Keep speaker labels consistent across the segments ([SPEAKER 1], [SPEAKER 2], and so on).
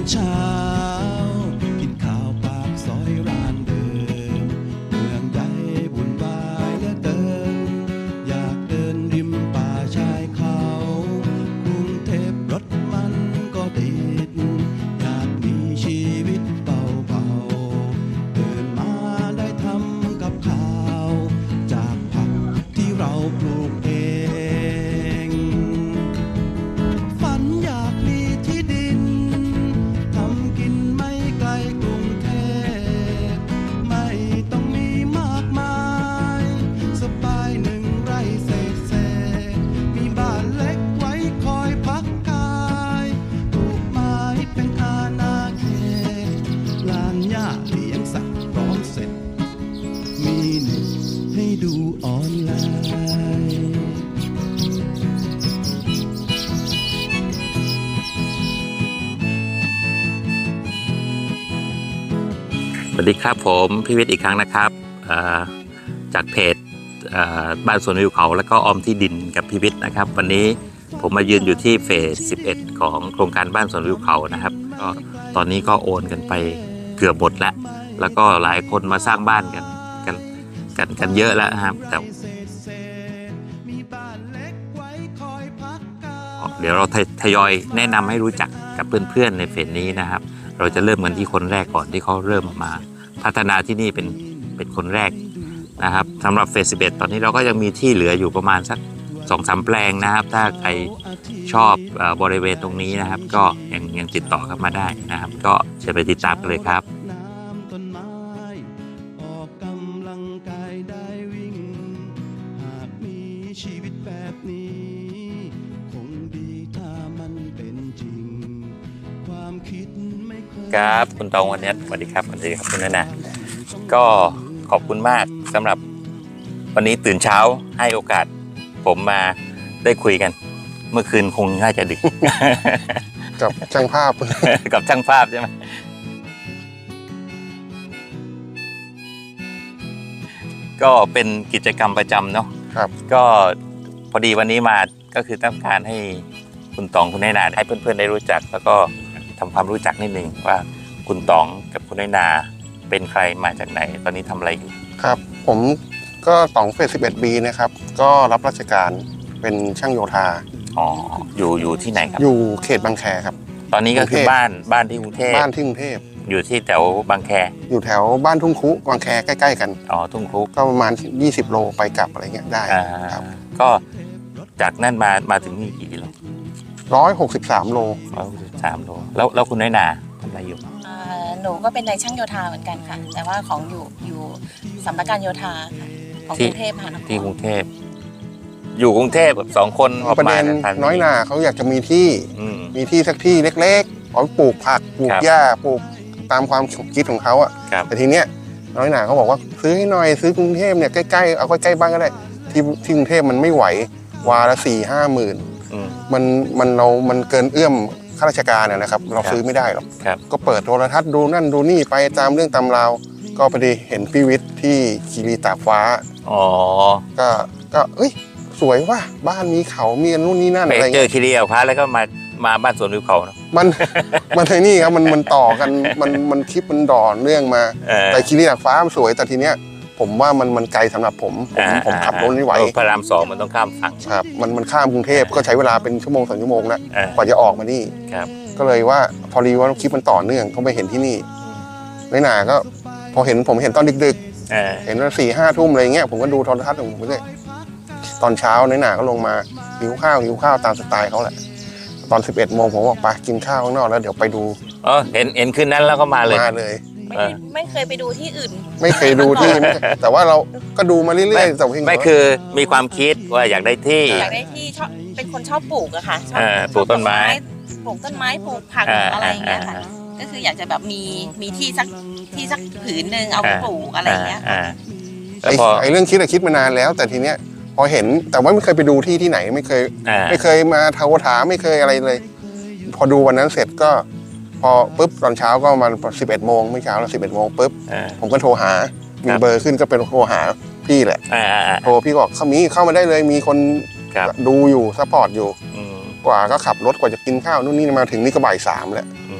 [SPEAKER 1] เช้ากินข้าวปากซอยร้านเดิมเมืองใหญ่วุ่นวายเหลือเกินอยากเดินริมป่าชายเขากรุงเทพรถมันก็ติดอยากมีชีวิตเบาๆตื่นมาได้ทำกับข้าวจากผักที่เราปลูกเองฝันอยากมีที่ดินทำกินไม่ไกลกรุงเทพไม่ต้องมีมากมายสบาย1 ไร่เศษมีบ้านเล็กไว้คอยพักกายปลูกไม้เป็นอาณาเขตลานหญ้าเลี้ยงสัตว์พร้อมเสร็จมีเน็ตให้ดูออนไลน์
[SPEAKER 2] สวัสดีครับผมพี่วิทย์อีกครั้งนะครับจากเพจบ้านสวนวิวเขาแล้วก็ออมที่ดินกับพี่วิทย์นะครับวันนี้ผมมายืนอยู่ที่เฟส 11 ของโครงการบ้านสวนวิวเขานะครับก็ตอนนี้ก็โอนกันไปเกือบหมดแล้วก็หลายคนมาสร้างบ้านกันเยอะแล้วนะครับแต่เดี๋ยวเราทยอยแนะนำให้รู้จักกับเพื่อนๆในเฟสนี้นะครับเราจะเริ่มกันที่คนแรกก่อนที่เขาเริ่มมาพัฒนาที่นี่เป็นคนแรกนะครับสำหรับเฟส 11 ตอนนี้เราก็ยังมีที่เหลืออยู่ประมาณสัก 2-3 แปลงนะครับถ้าใครชอบบริเวณตรงนี้นะครับก็ยังติดต่อกันมาได้นะครับก็เชิญไปติดตามกันเลยครับ
[SPEAKER 1] ต้นไม้ออกกำลังกายได้วิ่งหากมีชีวิตแบบนี้คงดีถ้ามันเป็นจริงความคิดไม่เคย
[SPEAKER 2] ครับคุณตองวันนี้สวัสดีครับคุณนาก็ขอบคุณมากสำหรับวันนี้ตื่นเช้าให้โอกาสผมมาได้คุยกันเมื่อคืนคงน่าจะดึก
[SPEAKER 3] กับช่างภาพ
[SPEAKER 2] กับช่างภาพใช่ไหมก็เป็นกิจกรรมประจำเนาะ
[SPEAKER 3] ครับ
[SPEAKER 2] ก็พอดีวันนี้มาก็คือต้องการให้คุณตองคุณนายนาให้เพื่อนๆได้รู้จักแล้วก็ทำความรู้จักนิดนึงว่าคุณตองกับคุณนายนาเป็นใครมาจากไหนตอนนี้ทำอะไรอยู่
[SPEAKER 3] ครับผมก็ตองเฟส 11B นะครับก็รับราชการเป็นช่างโยธา
[SPEAKER 2] อ๋ออยู่ที่ไหนครับ
[SPEAKER 3] อยู่เขตบางแคครับ
[SPEAKER 2] ตอนนี้ก็คือบ้านที่กรุงเทพ
[SPEAKER 3] บ้านที่กรุงเทพ
[SPEAKER 2] อยู่ที่แถวบางแค
[SPEAKER 3] อยู่แถวบ้านทุ่งคุบางแคใกล้ๆกัน
[SPEAKER 2] อ๋อทุ่งคุ
[SPEAKER 3] ก็ประมาณ20 โลไปกลับอะไรเงี้ยได้ครับ
[SPEAKER 2] ก็จากนั่นมาถึงนี่กี่กิโล
[SPEAKER 3] 163 โล
[SPEAKER 2] 163 โลแล้วคุณน้อยนาทำอะไรอยู่
[SPEAKER 4] หนูก็เป็นนายช่างโยธาเหมือนกันค่ะแต่ว่าของอยู่สำนักการโยธาค่ะของกรุงเทพมหานคร
[SPEAKER 2] ที่กรุงเทพอยู่กรุงเทพแบบ2 คน
[SPEAKER 3] ประเด็นน้อยนาเขาอยากจะมีที่สักที่เล็กๆเอาปลูกผักปลูกหญ้าปลูกตามความคิดของเขาอะแต่ทีเนี้ยน้อยนาเขาบอกว่าซื้อให้หน่อยซื้อกรุงเทพเนี่ยใกล้ๆเอาใกล้ๆบ้านก็ได้ที่กรุงเทพมันไม่ไหววาละ4-5 หมื่นมันเกินเอื้อมข้าราชการนะครับเราซื้อไม่ได้หรอกก็เปิดโทรทัศน์ดูนั่นดูนี่ไปตามเรื่องตำราวก็พอดีเห็นพี่วิทย์ที่คีรีตากฟ้าก็เอ้ยสวยว่ะบ้านมีเขามีนู่นนี่นั่นอะไร
[SPEAKER 2] เจอคีรีตากฟ้าแล้วก็มาบ้านสวนวิวเขาเนาะ
[SPEAKER 3] มันไอ้นี่ครับมันต่อกันมันคลิปมันดอนเรื่องมาแต่คีรีตากฟ้ามันสวยแต่ทีเนี้ยผมว่ามันไกลสำหรับผมขับรถไม่ไหว
[SPEAKER 2] พระราม 2มันต้องข้ามฝั่ง
[SPEAKER 3] ครับมันข้ามกรุงเทพก็ใช้เวลาเป็นชั่วโมง2 ชั่วโมงแล้วกว่าจะออกมานี่ก็เลยว่าพอดีว่าคลิปมันต่อเนื่องเขาไปเห็นที่นี่ไม่นานก็พอผมเห็นตอนดึกๆเห็นว่า4-5 ทุ่มอะไรเงี้ยผมก็ดูโทรทัศน์ของผมเลยตอนเช้าในหนาก็ลงมาหิวข้าวตามสไตล์เขาแหละตอน 11 โมงผมบอกไปกินข้าวข้างนอกแล้วเดี๋ยวไปดู
[SPEAKER 2] เห็นคืนนั้นแล้วก็มาเลย
[SPEAKER 4] ไม่เคยไปดูที่อื่น
[SPEAKER 3] ไม่เคยดูที่แต่ว่าเราก็ดูมาเรื่อยๆแต่
[SPEAKER 2] ไม่คือมีความคิดว่าอยากได้ที่
[SPEAKER 4] ชอบเป็นคนชอบปลูกอะค่ะชอบ
[SPEAKER 2] ปลูกต้นไม้
[SPEAKER 4] ปลูกผักอะไรอย่างเงี้ยค่ะก็คืออยากจะแบบมีที่สักผืนนึงเอาไปปลูกอะไรอย่างเงี้ย
[SPEAKER 3] ไอ้เรื่องคิดมานานแล้วแต่ทีเนี้ยพอเห็นแต่ว่าไม่เคยไปดูที่ไหนไม่เคยมาโทรถามไม่เคยอะไรเลยพอดูวันนั้นเสร็จก็พอปุ๊บตอนเช้าก็มา11 โมงไม่เช้าแล้ว11 โมงปุ๊บผมก็โทรหามีเบอร์ขึ้นก็เป็นโทรหาพี่แหละโทรพี่บอกเข้ามาได้เลยมีคนดูอยู่ซัพพอร์ตอยู่กว่าก็ขับรถกว่าจะกินข้าวนู่นนี่มาถึงนี่ก็บ่าย 3แล้ว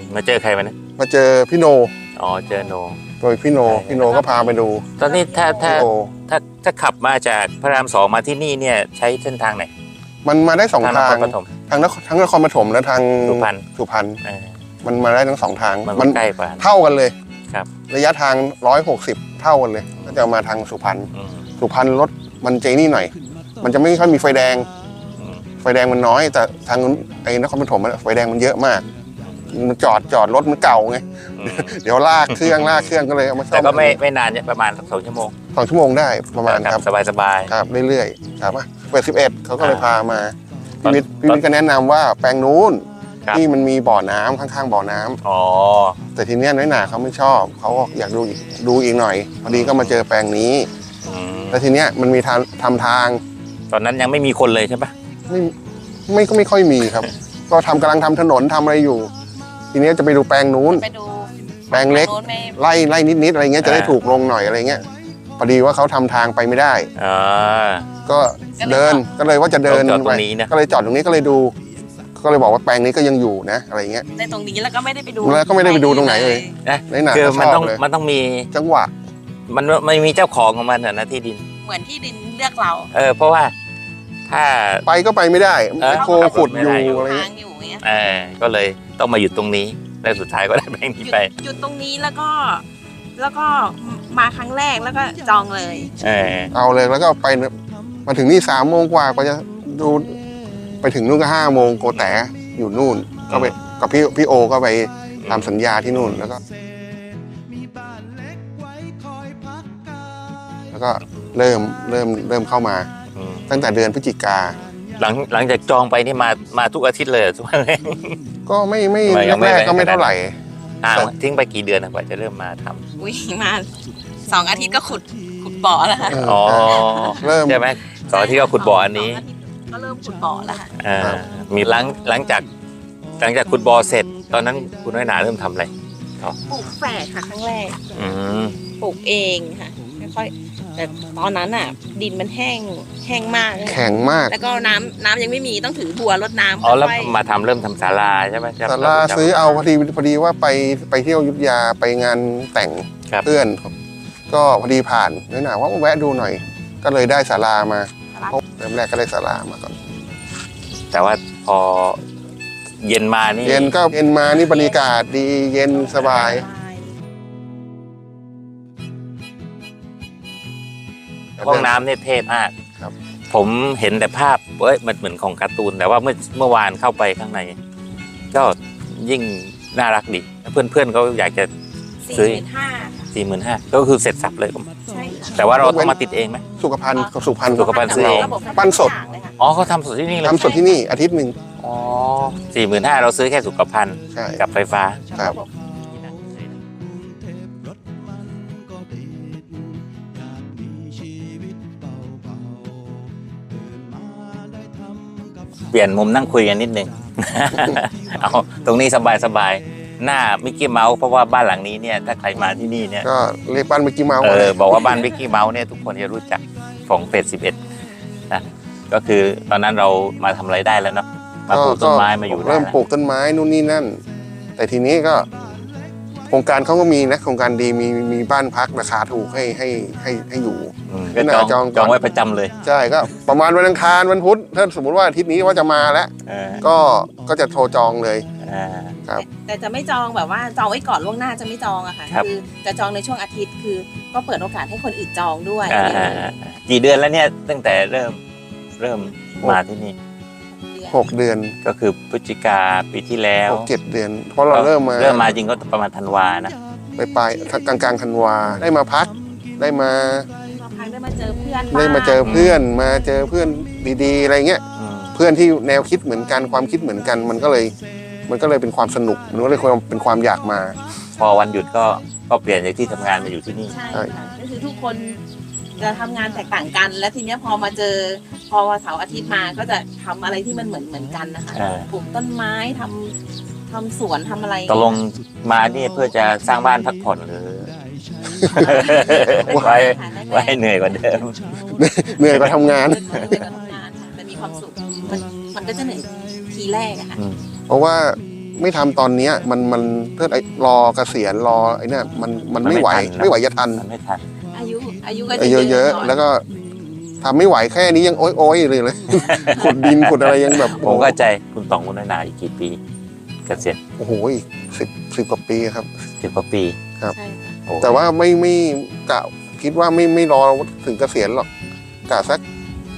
[SPEAKER 2] มาเจอใครมาเนี่ย
[SPEAKER 3] มาเจอพี่โน
[SPEAKER 2] อ๋อเจอโน
[SPEAKER 3] โดยพี่โนก็พาไปดู
[SPEAKER 2] ตอนนี้ถ้า
[SPEAKER 3] พี่โอ
[SPEAKER 2] ขับมาจากพระราม 2มาที่นี่เนี่ยใช้เส้นทางไหน
[SPEAKER 3] มันมาได้สอง
[SPEAKER 2] น
[SPEAKER 3] ทาง
[SPEAKER 2] ครปฐม
[SPEAKER 3] ทั้งนครปฐมและทาง
[SPEAKER 2] สุพรรณ
[SPEAKER 3] สุพรรณ
[SPEAKER 2] เออ
[SPEAKER 3] มันมาได้ทั้งสองทาง
[SPEAKER 2] มันใกล้กว่า
[SPEAKER 3] เท่ากันเลย
[SPEAKER 2] ครับ
[SPEAKER 3] ระยะทาง160เท่ากันเลยก็จะมาทางสุพรรณ
[SPEAKER 2] อืม
[SPEAKER 3] สุพรรณรถมันเจนี่หน่อย มันจะไม่ค่อยมีไฟแดง
[SPEAKER 2] อืม
[SPEAKER 3] ไฟแดงมันน้อย แต่ทางไอ้นครปฐมไฟแดงมันเยอะมาก มันจอดรถมันเก่าไง
[SPEAKER 2] อืม
[SPEAKER 3] เดี๋ยวลากเครื่องก็เลยเอามาซ่อม
[SPEAKER 2] แต่ก็ไม่นานเนี่ยประมาณสัก2 ชั่วโมง
[SPEAKER 3] 2 ชั่วโมงได้ประมาณครับ
[SPEAKER 2] สบาย
[SPEAKER 3] ครับเรื่อยๆครับเปิด11เขาก็เลยพามา
[SPEAKER 2] ตอน
[SPEAKER 3] พี่วิทย์ก็แนะนำว่าแปลงนู้น
[SPEAKER 2] ครับ
[SPEAKER 3] ที่มันมีบ่อน้ำข้างๆบ่อน้ำ
[SPEAKER 2] ๆอ๋อ
[SPEAKER 3] แต่ทีเนี้ยน้อยหนาเขาไม่ชอบเขาก็อยากดูอีกหน่อยพอดีก็มาเจอแปลงนี้
[SPEAKER 2] อืม
[SPEAKER 3] แล้วทีเนี้ยมันมีทำทาง
[SPEAKER 2] ตอนนั้นยังไม่มีคนเลยใช่ปะ
[SPEAKER 3] ไม่ค่อยมีครับ ก็กำลังทำถนนทำอะไรอยู่ ทีเนี้ยจะไปดูแปลงนู้น
[SPEAKER 4] ไปดู
[SPEAKER 3] แปลงเล็ก
[SPEAKER 4] โน้นไม่
[SPEAKER 3] ไล่นิดๆอะไรเงี้ยจะได้ถูกลงหน่อยอะไรเงี้ยพอดีว่าเขาทำทางไปไม่ได้
[SPEAKER 2] อ๋อ
[SPEAKER 3] ก็เดินก็เลยว่าจะเดิน
[SPEAKER 2] จอดตรงนี้นะ
[SPEAKER 3] ก็เลยจอดตรงนี้ก็เลยดู ก็เลยบอกว่าแปลงนี้ก็ยังอยู่นะอะไรเงี้ย
[SPEAKER 4] ในตรงนี้แล้วก็ไม่ได้ไปดู
[SPEAKER 3] แล้วก็ไม่ได้ไปดูตรงไหนเลย
[SPEAKER 2] นะ
[SPEAKER 3] น้อยหนา
[SPEAKER 2] คือ
[SPEAKER 3] ก็ช
[SPEAKER 2] มัน
[SPEAKER 3] อ
[SPEAKER 2] ต้อบ ง
[SPEAKER 3] เลย
[SPEAKER 2] มันต้องมี
[SPEAKER 3] จังหวะ
[SPEAKER 2] มันมีเจ้าของของมันนะที่ดิน
[SPEAKER 4] เหมือนที่ดินเลือกเรา
[SPEAKER 2] เพราะว่าถ้า
[SPEAKER 3] ไปก็ไปไม่ได้
[SPEAKER 2] เออ
[SPEAKER 3] แมคโครขุดอยู่
[SPEAKER 2] ขับรถไม่ได้อยู่
[SPEAKER 3] อะไร
[SPEAKER 4] ทา
[SPEAKER 3] เงี้ย
[SPEAKER 4] งอยู่อย่างเงี้ย
[SPEAKER 2] ก็เลยต้องมาหยุดตรงนี้แล้วสุดท้ายก็ได้แบงค์นี้ไป
[SPEAKER 4] หยุดตรงนี้แล้วก็มาครั้งแรกแล้วก็จองเลย
[SPEAKER 3] เอาเลยแล้วก็ไปมาถึงนี่3 โมงกว่าก็จะดูไปถึงนู่นก็5 โมงโกแตอยู่นู่นก็ไปกับพี่โอก็ไปทำสัญญาที่นู่นแล้วก็เริ่มเข้ามา
[SPEAKER 2] อืม
[SPEAKER 3] ตั้งแต่เดือนพฤศจิกา
[SPEAKER 2] หลังจากจองไปนี่มาทุกอาทิตย์เลยทุกวันเลย
[SPEAKER 3] ก็ไม่
[SPEAKER 2] ยังไม่
[SPEAKER 3] แรกๆก็ไม่เท่าไหร่
[SPEAKER 2] ทิ้งไปกี่เดือนนะกว่าจะเริ่มมาทำ
[SPEAKER 4] อุ้ยมา2 อาทิตย์ก็ขุดบ่อแล้วค่ะ
[SPEAKER 2] อ๋อ
[SPEAKER 3] เริ่ม
[SPEAKER 2] ใช่ไหมสองอาที่ก็ขุดบ่ออันนี้
[SPEAKER 4] ก็เริ่มขุดบ่อแล้วค่ะ
[SPEAKER 2] มีหลังจากขุดบ่อเสร็จ ตอนนั้นคุณน้อยหนาเริ่มทำอะไร
[SPEAKER 4] ปลูกแฝดค่ะครั้งแรก
[SPEAKER 2] อืม
[SPEAKER 4] ปลูกเองค่ะค่อยๆแต่ตอนนั้นอ่ะ ดินมันแห้งมาก
[SPEAKER 3] แข็งมาก
[SPEAKER 4] แล้วก็น้ำยังไม่มีต้องถือบัวรดน้ำ
[SPEAKER 2] อ๋อแล้ว
[SPEAKER 4] ค่อย
[SPEAKER 2] มาเริ่มทำศาลาใช่ไหม
[SPEAKER 3] ศาลาซื้อเอาพอดีว่าไปเที่ยวอยุทธยาไปงานแต่ง
[SPEAKER 2] ครับ
[SPEAKER 3] เพื่อน ก็พอดีผ่านน้อยหนาว่าแวะดูหน่อย ก็เลยได้ศาลามาเริ่มแรกก็ได้ศาลามาก่อน
[SPEAKER 2] แต่ว่าพอเย็นมานี่
[SPEAKER 3] เย็นมานี่บรรยากาศดีเย็นสบาย
[SPEAKER 2] ห้องน้ำเนี่ยเทพมาก
[SPEAKER 3] ครับ
[SPEAKER 2] ผมเห็นแต่ภาพมันเหมือนของการ์ตูนแต่ว่าเมื่อวานเข้าไปข้างใน ก็ยิ่งน่ารักดีเพื่อนเขาอยากจะ ซื้อ 45,000ก็คือเสร็จสับเลย
[SPEAKER 4] ใช่ค่ะ
[SPEAKER 2] แต่ว่าเราต้องมาติดเองไหม
[SPEAKER 3] สุขภัณฑ์กับสุพรรณ
[SPEAKER 2] สุขภัณฑ์ซื้อเอง
[SPEAKER 4] ระบบ
[SPEAKER 3] ปั้นสด
[SPEAKER 4] ทุกอย่างเลยค่ะ
[SPEAKER 2] อ๋อเขาทำสดที่นี่เลย
[SPEAKER 3] ทำสดที่นี่อาทิตย์หนึ่ง
[SPEAKER 2] อ๋อ45,000เราซื้อแค่สุขภัณฑ์
[SPEAKER 3] ใช่
[SPEAKER 2] กับไฟฟ้า
[SPEAKER 3] ครับ
[SPEAKER 2] เปลี่ยนมุมนั่งคุยกันนิดนึง เอาตรงนี้สบายๆหน้ามิกกี้เมาส์เพราะว่าบ้านหลังนี้เนี่ยถ้าใครมาที่นี่เนี่ย
[SPEAKER 3] ก็เรียกบ้านมิกกี้เมาส์
[SPEAKER 2] บอกว่าบ้านมิกกี้เมาส์เนี่ยทุกคนจะรู้จักของเฟส11นะก็คือตอนนั้นเรามาทำอะไรได้แล้วเนาะมาปลูกต้นไม้มาอยู่ได้
[SPEAKER 3] เริ่ม
[SPEAKER 2] แล้ว
[SPEAKER 3] ปลูกต้นไม้นู่นนี่นั่น แต่ทีนี้ก็ โครงการเขาก็มีนะโครงการดีมีบ้านพักราคาถูกให้อยู่
[SPEAKER 2] ก็จองไว้ประจำเลย
[SPEAKER 3] ใช่ก็ประมาณวันอังคารวันพุธถ้าสมมติว่าอาทิตย์นี้ว่าจะมาแล้ว ก็จะโทรจองเลยครับ
[SPEAKER 4] แต่จะไม่จองแบบว่าจองไว้ก่อนล่วงหน้าจะไม่จองอะค่ะ
[SPEAKER 2] ครับ
[SPEAKER 4] คือจะจองในช่วงอาทิตย์คือก็เปิดโอกาสให้คนอื่นจองด้วย
[SPEAKER 2] กี่เดือนแล้วเนี่ยตั้งแต่เริ่มมาที่นี่
[SPEAKER 3] 6 เดือน
[SPEAKER 2] ก็คือพฤศจิกาปีที่แล้ว
[SPEAKER 3] 6-7 เดือน เพราะเราเริ่มมา
[SPEAKER 2] จริงก็ประมาณธันวานะ
[SPEAKER 3] ไปกลางธันวาได้มาพักได้มา
[SPEAKER 4] ได้มาเจอเพื่อน
[SPEAKER 3] ได้มาเจอเพื่อนมาเจอเพื่อนดีๆอะไรเงี้ย เพื่อนที่แนวคิดเหมือนกันความคิดเหมือนกัน มันก็เลยเป็นความสนุกมันก็เลยเป็นความอยากมา
[SPEAKER 2] พอวันหยุดก็เปลี่ยนจากที่ทำงานมาอยู่ที่นี่
[SPEAKER 4] ใช่ค่ะก็คือทุกคนจะทำงานแตกต่างกัน และทีเนี้ยพอมาเจอพอวันเสาร์อาทิตย์มาก็จะทำอะไรที่มันเหมือนกันนะคะปลูกต้นไม้ทำสวนทำอะไร
[SPEAKER 2] ตกลงมานี่เพื่อจะสร้างบ้านพักผ่อนหรือ ไว้เหนื่อยกว่าเดิม
[SPEAKER 3] เหนื่อยกว่าทำงาน
[SPEAKER 4] เหนื่อยกว่าทำงานค่ะแต่มีความสุขมันก็จะเหนื่อยทีแรกอะค่ะ
[SPEAKER 3] เพราะว่าไม่ทำตอนเนี้ยมันเพื่อรอเกษียณรอไอ้เนี่ยมันไม่ไหวไม่ไหวจะทัน
[SPEAKER 2] มันไม่ทัน
[SPEAKER 4] อายุก็จะ
[SPEAKER 3] เยอะๆแล้วก็ทำไม่ไหวแค่นี้ยังโอ๊ยเลย ขุดดินขุดอะไรยังแบบ
[SPEAKER 2] ผมเข้าใจคุณต๋องคุณนาอีกกี่ปีเกษียณ
[SPEAKER 3] โอ้โหสิบกว่าปีครับ
[SPEAKER 2] 10 กว่าปี
[SPEAKER 4] ใช่ค่ะ
[SPEAKER 2] โอ้
[SPEAKER 3] แต่ว่าไม่กะคิดว่าไม่รอถึงเกษียณหรอกกะสัก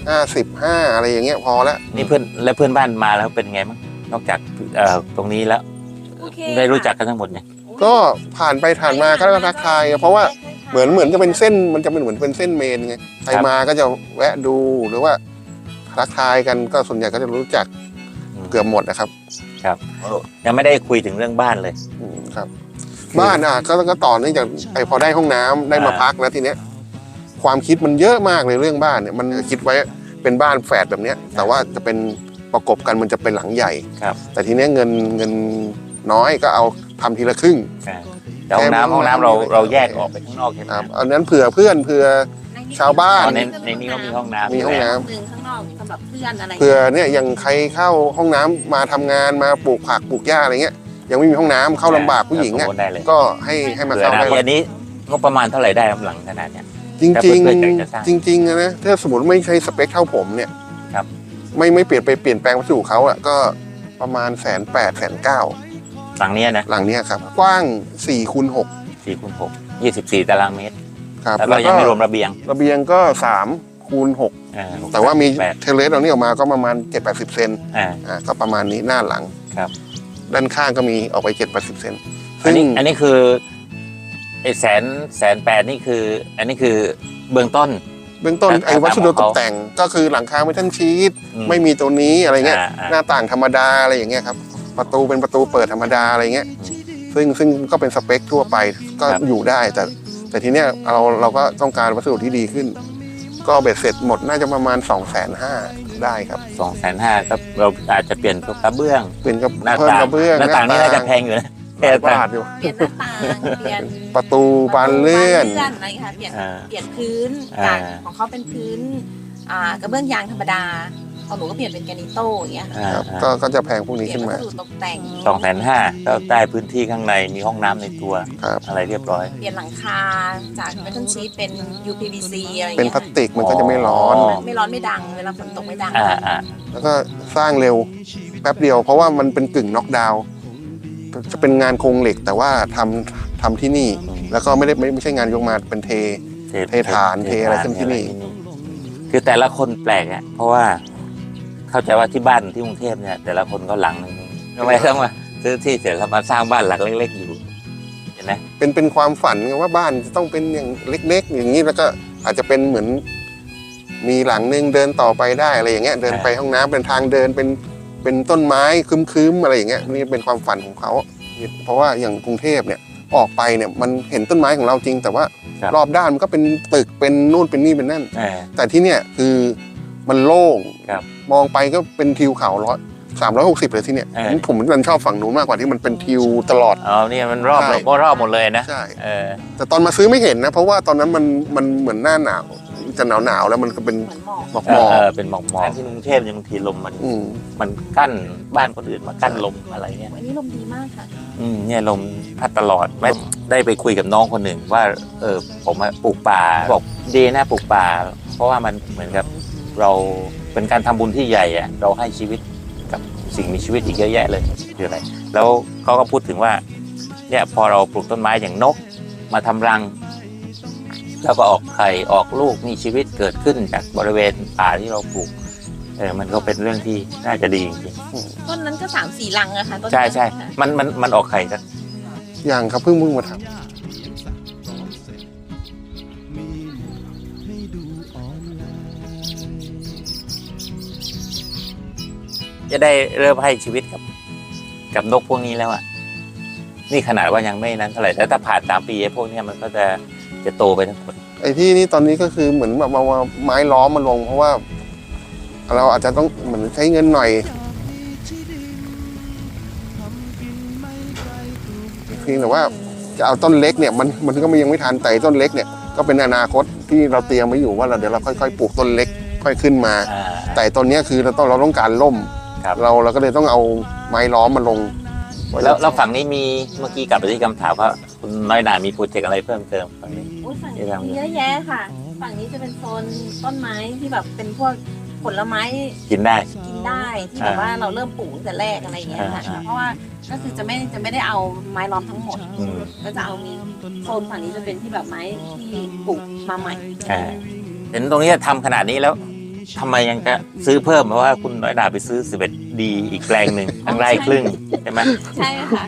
[SPEAKER 3] 55อะไรอย่างเงี้ยพอแล้ว
[SPEAKER 2] นี่เพื่อนบ้านมาแล้วเป็นไงบ้างนอกจากตรงนี้แล้ว
[SPEAKER 4] โอเค
[SPEAKER 2] ได้รู้จักกันทั้งหมดเนี่ย
[SPEAKER 3] ก็ผ่านไปผ่านมาก็ทักทายเพราะว่าเหมือนจะเป็นเส้นมันจะเป็นเหมือนเป็นเส้นเมนไงใครมาก็จะแวะดูหรือว่าทักทายกันก็ส่วนใหญ่ก็จะรู้จักเกือบหมดนะครับ
[SPEAKER 2] ครับยังไม่ได้คุยถึงเรื่องบ้านเลย
[SPEAKER 3] ครับ บ้านก็ต่อเนื่องจากพอได้ห้องน้ำได้มาพักแล้วทีเนี้ยความคิดมันเยอะมากเลยเรื่องบ้านเนี่ยมันคิดไว้เป็นบ้านแฝดแบบเนี้ยแต่ว่าจะเป็นประกบกันมันจะเป็นหลังใหญ่
[SPEAKER 2] ครับ
[SPEAKER 3] แต่ทีเนี้ยเงินน้อยก็เอาทำทีละครึ่ง
[SPEAKER 2] แต่ห้องน้ำเราแยกออกไปข้างนอกใช่ไหม
[SPEAKER 3] ครับอันนั้นเผื่อเพื่อนเผื่อ ชาวบ้าน
[SPEAKER 2] ในนี้ก็มีห้องน้ำ
[SPEAKER 3] มีห้องน้ำ
[SPEAKER 4] หนึ่งข้างนอกสำหรับเพื่อนอะไร
[SPEAKER 3] เผื่อเนี่ยอย่างใครเข้าห้องน้ำมาทำงานมาปลูกผักปลูกหญ้าอะไรเงี้ยยังไม่มีห้องน้ำเข้าลำบากผู้หญิงเนี่ย
[SPEAKER 2] ได้เลย
[SPEAKER 3] ก็ให้มา
[SPEAKER 2] เผื่อ
[SPEAKER 3] เข้า
[SPEAKER 2] นะ
[SPEAKER 3] ได้
[SPEAKER 2] อันนี้งบประมาณเท่าไหร่ได้หลังขนาดเนี้ย
[SPEAKER 3] จริง
[SPEAKER 2] แต่
[SPEAKER 3] จริง
[SPEAKER 2] เพื่อนๆอยากจะสร้าง
[SPEAKER 3] จริงๆนะถ้าสมมติไม่ใช่สเปคเท่าผมเนี่ย
[SPEAKER 2] ครับ
[SPEAKER 3] ไม่เปลี่ยนแปลงวัสดุเขาอ่ะก็ประมาณ180,000 190,000
[SPEAKER 2] หลังเนี้ยนะ
[SPEAKER 3] หลังเนี้ยครับกว้าง4x6
[SPEAKER 2] 4x6 24 ตารางเมตร
[SPEAKER 3] ครับ
[SPEAKER 2] แล้วก็ยังไม่รวมระเบียง
[SPEAKER 3] ระเบียงก็3x6 แต่ว่ามีเทเลสเรานี่ออกมาก็ประมาณ7-80 เซน ก็ประมาณนี้หน้าหลัง
[SPEAKER 2] ครับ
[SPEAKER 3] ด้านข้างก็มีออกไป7-80 เซน
[SPEAKER 2] อันนี้คือไอ้180,000นี่คือ อันนี้คือเบื้องต้น
[SPEAKER 3] เบื้องต้น
[SPEAKER 2] แต่
[SPEAKER 3] ไอ้วัสดุ
[SPEAKER 2] ของ
[SPEAKER 3] ต
[SPEAKER 2] เขา
[SPEAKER 3] กแต่งก็คือหลังคาไม่ทันชีต
[SPEAKER 2] อืม
[SPEAKER 3] ไม่มีตัวนี้อะไรเงี้ย
[SPEAKER 2] อ่า
[SPEAKER 3] หน้าต่างธรรมดาอะไรอย่างเงี้ยครับประตูเป็นประตูเปิดธรรมดาอะไรเงี้ยซึ่งก็เป็นสเปคทั่วไปก็
[SPEAKER 2] ครับ
[SPEAKER 3] อยู่ได้แต่ทีเนี้ยเราก็ต้องการวัสดุที่ดีขึ้น ก็เบ็ดเสร็จหมดน่าจะประมาณ 250,000ได้ครับ
[SPEAKER 2] 250,000ครับเราอาจจะเปลี่ยนกระเบื้อง
[SPEAKER 3] เป็นกับ
[SPEAKER 2] หน้า
[SPEAKER 3] เพิ่ม
[SPEAKER 2] ต่าง
[SPEAKER 3] กระเบื้อง
[SPEAKER 2] หน้าต่างนี่น่าจะแพงอยู่นะ
[SPEAKER 3] หลายบาทอยู่
[SPEAKER 4] เปลี่ยนหน้าต่างเปลี่ยน
[SPEAKER 3] ประตูบานเลื่อน
[SPEAKER 4] อะไรค่ะเปลี่ยนพื้น
[SPEAKER 2] อ่า
[SPEAKER 4] จากของเขาเป็นพื้นกระเบื้องยางธรรมดาของหนูก็เปลี่ยนเป็นแกรนิโต้อย่างเงี้ยค่ะ
[SPEAKER 3] ครับก็จะแพงพวก
[SPEAKER 4] เป
[SPEAKER 3] นี้
[SPEAKER 4] ลี่ยน
[SPEAKER 3] ขึ้น
[SPEAKER 4] วั
[SPEAKER 3] มา
[SPEAKER 4] สดุตกแต่ง
[SPEAKER 2] 250,000ก็ได้พื้นที่ข้างในมีห้องน้ำในตัว
[SPEAKER 3] ครับ
[SPEAKER 2] อะไรเรียบร้อย
[SPEAKER 4] เปลี่ยนหลังคาจากเมทัลชีทเป็น UPVC อะไรอย่าง
[SPEAKER 3] เป็น
[SPEAKER 4] เงี้ย
[SPEAKER 3] พลาสติกมันก็จะไม่ร้อน
[SPEAKER 4] ไม่ร้อนไม่ดังเวลาฝนตกไม่ดัง
[SPEAKER 3] แล้วก็สร้างเร็วแป๊บเดียว เพราะว่ามันเป็นกึ่งน็อกดาวน์จะเป็นงานโครงเหล็กแต่ว่าทำที่นี่ แล้วก็ไม่ใช่งานยกมาเป็นเทฐานเทอะไรขึ้นที่นี่
[SPEAKER 2] คือแต่ละคนแปลกอ่ะเพราะว่าเข้าใจว่าที่บ้านที่กรุงเทพเนี่ย แต่ละคนก็หลังนึงทำไมต้องมาซื้อที่เสร็จแล้วมาสร้างบ้านหลังเล็กๆอยู่เห็นไหม
[SPEAKER 3] เป็นความฝันไงว่าบ้านจะต้องเป็นอย่างเล็กๆ อย่างนี้แล้วก็อาจจะเป็นเหมือน มีหลังนึงเดินต่อไปได้อะไรอย่างเงี้ยเดินไปห้องน้ำเป็นทางเดินเป็นต้นไม้คึ้มๆอะไรอย่างเงี้ยนี่เป็นความฝันของเขาเพราะว่าอย่างกรุงเทพเนี่ยออกไปเนี่ยมันเห็นต้นไม้ของเราจริง แต่ว่ารอบด้านมันก็เป็นตึกเป็นนู่นเป็นนี่เป็นนั่น แต่ที่เนี่ยคือมันโล่ง
[SPEAKER 2] ครับ
[SPEAKER 3] มองไปก็เป็นทิวเขา360เลยที่เนี่ยผมมันชอบฝั่งนู้นมากกว่าที่มันเป็นทิวตลอด
[SPEAKER 2] อ๋อเนี่ยมันรอบเลยก็รอบหมดเลยนะ
[SPEAKER 3] ใช่
[SPEAKER 2] แต่
[SPEAKER 3] แต่ตอนมาซื้อไม่เห็นนะเพราะว่าตอนนั้นมันเหมือนหน้าหนาวจะหนาวแล้วมันก็เป็น
[SPEAKER 4] เหมือนหมอก
[SPEAKER 3] หมอกหมอก
[SPEAKER 2] เป็นหมอกที่กรุงเทพบางทีลมมัน
[SPEAKER 3] อืม
[SPEAKER 2] มันกั้นบ้านคนอื่นมากั้นลมอะไรเงี้ย
[SPEAKER 4] อันนี้ลมดีมากค่ะ
[SPEAKER 2] เนี่ยลมพัดตลอดแม้ได้ไปคุยกับน้องคนหนึ่งว่าผมปลูกป่าบอกดีนะปลูกป่า เพราะว่ามันเหมือนกับเราเป็นการทำบุญที่ใหญ่อะเราให้ชีวิตกับสิ่งมีชีวิตอีกเยอะแยะเลยคืออะไรแล้วเขาก็พูดถึงว่าเนี่ยพอเราปลูกต้นไม้อย่างนกมาทำรังแล้วก็ออกไข่ออกลูกมีชีวิตเกิดขึ้นจากบริเวณป่าที่เราปลูกมันก็เป็นเรื่องที่น่าจะดีจริง
[SPEAKER 4] ต้นนั้นก็3-4ลังอะค่ะต้น
[SPEAKER 2] ๆใช่
[SPEAKER 4] นั้น
[SPEAKER 2] ใช่
[SPEAKER 4] ค่ะ
[SPEAKER 2] มันออกไข่กัน
[SPEAKER 3] อย่างครับเพิ่งมาท
[SPEAKER 2] จะได้เริ่มให้ชีวิตกับนกพวกนี้แล้วอ่ะนี่ขนาดว่ายังไม่นั้นเท่าไหร่แต่ถ้าผ่าน3 ปีพวกนี้มันก็จะโตไปทั้งหมด
[SPEAKER 3] ำไอ้ที่นี่ตอนนี้ก็คือเหมือนแบบเอาไม้ล้อมมาลง เพราะว่าเราอาจจะต้องเหมือนใช้เงินหน่อยเพียงแต่ว่าจะเอาต้นเล็กเนี่ยมันก็ยังไม่ทันแต่ต้นเล็กเนี่ยก็เป็นอนาคตที่เราเตรียมไว้อยู่ว่าเดี๋ยวเราค่อยๆปลูกต้นเล็กค่อยขึ้นมา แต่ต้นนี้คือเราต้องการร่ม
[SPEAKER 2] ครับ
[SPEAKER 3] เราก็เลยต้องเอาไม้ล้อมมาลง
[SPEAKER 2] แล้วฝั่งนี้มีเมื่อกี้กลับไปที่คำถามว่าคุณน้อยหนามีโปรเจกต์อะไรเพิ่มเติมฝั่งนี้
[SPEAKER 4] อุ๊ยฝั่งนี้มีเยอะแยะค่ะ ฝั่งนี้จะเป็นโซนต้นไม้ที่แบบเป็นพวกผลไม้
[SPEAKER 2] กินได้
[SPEAKER 4] กินได้ที่แบบว่าเราเริ่มปลูกตั้งแต่แรกอะไรอย่างเงี้ยค่ะเพราะว่าก็คือจะไม่ได้เอาไม้ล้อมทั้งหมด ก็จะเอามีโซนฝั่งนี้จะเป็นที่แบบไม้ที่ปลูกมาใหม่
[SPEAKER 2] เห็นตรงนี้ทำขนาดนี้แล้วทำไมยังจะซื้อเพิ่มเพราะว่าคุณน้อยหนาไปซื้อ11 ดีอีกแปลงหนึ่งทั้งไร่ครึ่งใช่ไหม
[SPEAKER 4] ใช่ค่ะ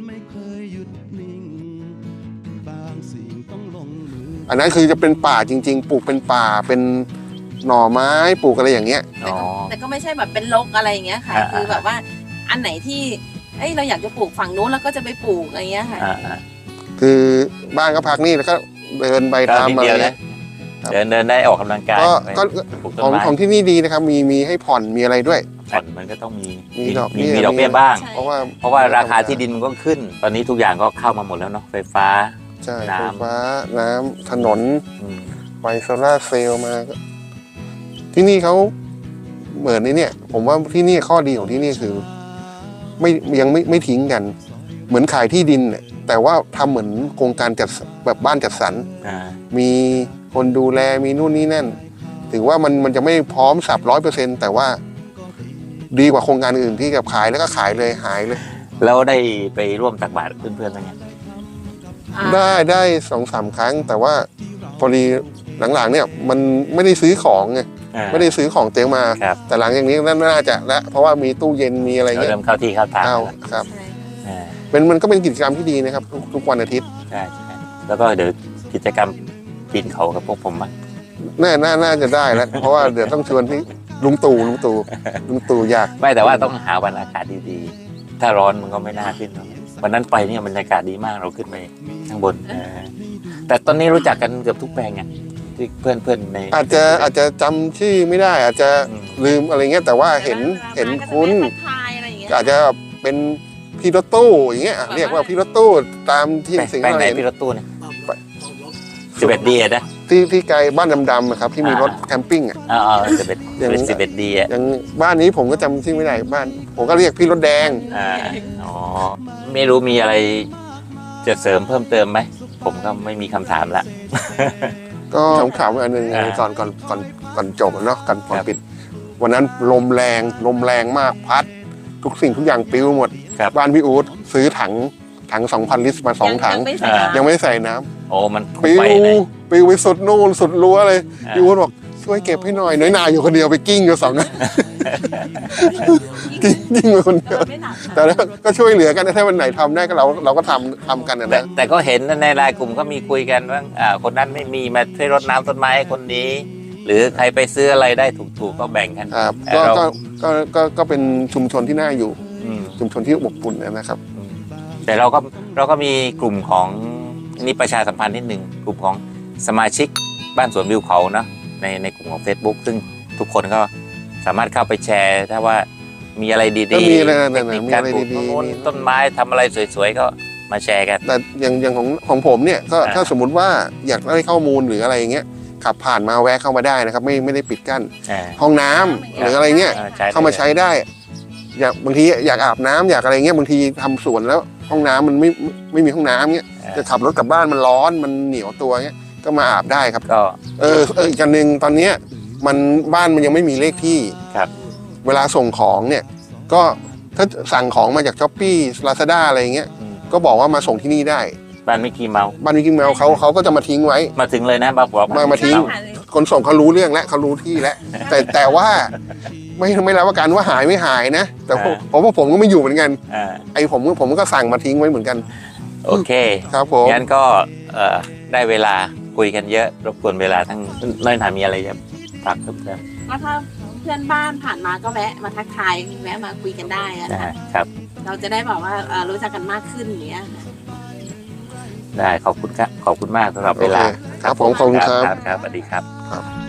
[SPEAKER 3] อันนั้นคือจะเป็นป่าจริง ๆ ปลูกเป็นป่าเป็นหน่อไม้ปลูกอะไรอย่างเงี้ย
[SPEAKER 4] แต่ก็ไม่ใช่แบบเป็นรกอะไรอย่างเงี้ยค่ะ คือแบบว่าอันไหนที่เราอยากจะปลูกฝั่งนู้นแล้วก็จะไปปลูกอะไรเงี้ยค่ะ
[SPEAKER 3] คือบ้านก็พักนี่แล้วก็เดินไปตามอะไร
[SPEAKER 2] เดินได้ออกกำลังกาย
[SPEAKER 3] ก็ของที่นี่ดีนะครับมีให้ผ่อนมีอะไรด้วย
[SPEAKER 2] ผ่อนมันก็ต้องมี
[SPEAKER 3] ดอก
[SPEAKER 2] เบี้ยบ้าง
[SPEAKER 3] เพราะว่า
[SPEAKER 2] ราคาที่ดินมันก็ขึ้น ตอนนี้ทุกอย่างก็เข้ามาหมดแล้วเนาะไฟฟ้า
[SPEAKER 3] ใช่
[SPEAKER 2] น้ำ
[SPEAKER 3] ไฟฟ้าน้ำถนนไฟโซล่าร์เซลล์มาที่นี่เขาเหมือนนี่เนี่ย ผมว่าที่นี่ข้อดีของที่นี่คือยังไม่ทิ้งกัน เหมือนขายที่ดินเนี่ยแต่ว่าทำเหมือนโครงการจัดแบบบ้านจัดสรรมีคนดูแลมีนู่นนี่นั่นถึงว่ามันจะไม่พร้อมสับ100%แต่ว่าดีกว่าโครงการอื่นที่กับขายแล้วก็ขายเลยหายเลย
[SPEAKER 2] แล้วได้ไปร่วมตักบาตรเพื่อนๆไหมเนี่ย
[SPEAKER 3] ได้2-3 ครั้ง แต่ว่าพอดีหลังๆเนี่ยมันไม่ได้ซื้อของไงไม่ได้ซื้อของเตรียมมาแต่หลังจากนี้น่าจะแล้วเพราะว่ามีตู้เย็นมีอะไรเงี้ย
[SPEAKER 2] เริ่มเข้าที่เข้าทาง
[SPEAKER 3] ครับมันก็เป็นกิจกรรมที่ดีนะครับทุกวันอาทิตย์
[SPEAKER 2] ใช่แล้วก็เดี๋ยวกิจกรรมปีนเขากับพวกผมมั้ง
[SPEAKER 3] น่าจะได้แล้วเพราะว่าเดี๋ยวต้องชวนที่ลุงตู่อยาก
[SPEAKER 2] ไม่แต่ว่าต้องหาวันอากาศดีๆถ้าร้อนมันก็ไม่น่าขึ้นวันนั้นไปเนี่ยบรรยากาศดีมากเราขึ้นไปข้างบนแต่ตอนนี้รู้จักกันเกือบทุกแปลงไงที่เพื่อนใน
[SPEAKER 3] อาจจะจำชื่อไม่ได้อาจจะลืมอะไรเงี้ยแต่ว่าเห็นคุ้นอาจจะเป็นพี่รถตู้อย่างเงี้ยเรียกว่าพี่รถตู้ตามที่สิ่งที่เราเห็น
[SPEAKER 2] พี่รถตู้เนี่ย11 ดีนะ
[SPEAKER 3] ที่ไกลบ้านดำๆครับที่มีรถแคมปิ้ง
[SPEAKER 2] 11 ดี
[SPEAKER 3] อย่างบ้านนี้ผมก็จำชื่อไม่ได้บ้านผมก็เรียกพี่รถแดง
[SPEAKER 2] ไม่รู้มีอะไรจะเสริมเพิ่มเติมไหมผมก็ไม่มีคำถามละ
[SPEAKER 3] ก็ถามอันหนึ่งก่อนจบเนาะก่อนปิดวันนั้นลมแรงมากพัดทุกสิ่งทุกอย่างปลิวหมดบ้านพี่อู๊ดซื้อถัง 2,000 ลิตรมา2 ถังยังไม่ได้ใส่น้ำ
[SPEAKER 2] โอ้มัน
[SPEAKER 3] ปลิวไปสุดนู่นสุดรั้วเลยพี่อู๊ดบอกช่วยเก็บให้หน่อยน้อยนาอยู่คนเดียวไปกิ้งอยู่2 นั้นกิ้งไปคนเดียวแต่ก็ช่วยเหลือกันถ้าวันไหนทำได้ก็เราก็ทำกันนะ
[SPEAKER 2] แต่ก็เห็นในรายกลุ่มก็มีคุยกันว่าคนนั้นไม่มีมาช่วยรดน้ำต้นไม้คนนี้หรือใครไปซื้ออะไรได้ถูกก็แบ่งกัน
[SPEAKER 3] ก็เป็นชุมชนที่น่าอยู่ชุมชนที่อบอุ่นนะครับ
[SPEAKER 2] แต่เราก็มีกลุ่มของนี่ประชาสัมพันธ์นิดหนึ่งกลุ่มของสมาชิกบ้านสวนวิวเขาเนาะในกลุ่มของ Facebook ซึ่งทุกคนก็สามารถเข้าไปแชร์ถ้าว่ามีอะไรดีๆ
[SPEAKER 3] มี
[SPEAKER 2] การปลูกต้นไม้ทำอะไรสวยๆก็มาแชร์กัน
[SPEAKER 3] แต่อย่างของผมเนี่ยก็ถ้าสมมุติว่าอยากได้ข้อมูลหรืออะไรอย่างเงี้ยขับผ่านมาแวะเข้ามาได้นะครับไม่ได้ปิดกั้นห้องน้ำหรืออะไรเงี้ยเข้ามาใช้ได้บางทีอยากอาบน้ำอยากอะไรเงี้ยบางทีทำสวนแล้วห้องน้ำมันไม่มีห้องน้ำเงี้ยจะขับรถกลับบ้านมันร้อนมันเหนียวตัวเงี้ยก็มาอาบได้ครับ
[SPEAKER 2] ก็
[SPEAKER 3] อีกอันหนึ่งตอนเนี้ยมันบ้านมันยังไม่มีเลขที่เวลาส่งของเนี่ยก็ถ้าสั่งของมาจาก Shopee Lazada อะไรเงี้ยก็บอกว่ามาส่งที่นี่ได้
[SPEAKER 2] บ้านมิกกี้เมาส์
[SPEAKER 3] เขาก็จะมาทิ้งไว้
[SPEAKER 2] มาถึงเลยนะบอก
[SPEAKER 3] มาทิ้งคนส่งเขารู้เรื่องแล้วเขารู้ที่แล้วแต่ว่าไม่รับประกันว่าหายไม่หายนะแต่ผมก็ไม่อยู่เหมือนกันผมก็สั่งมาทิ้งไว้เหมือนกัน
[SPEAKER 2] โอเค
[SPEAKER 3] ครับผม
[SPEAKER 2] งั้นก็ได้เวลาคุยกันเยอะรบกวนเวลาทั้งน้อยหนามีอะไรจะฝากเพิ่มเติม
[SPEAKER 4] ถ้าเพื่อนบ้านผ่านมาก็แวะมาทักทายแวะมาคุยกันได้
[SPEAKER 2] ครับ
[SPEAKER 4] เราจะได้บอกว่ารู้จักกันมากขึ้นอย่างเงี้ย
[SPEAKER 2] ได้ขอบคุณมากสำหรับเวลา
[SPEAKER 3] ครับผมขอบคุณครับ
[SPEAKER 2] สวัสดีครับ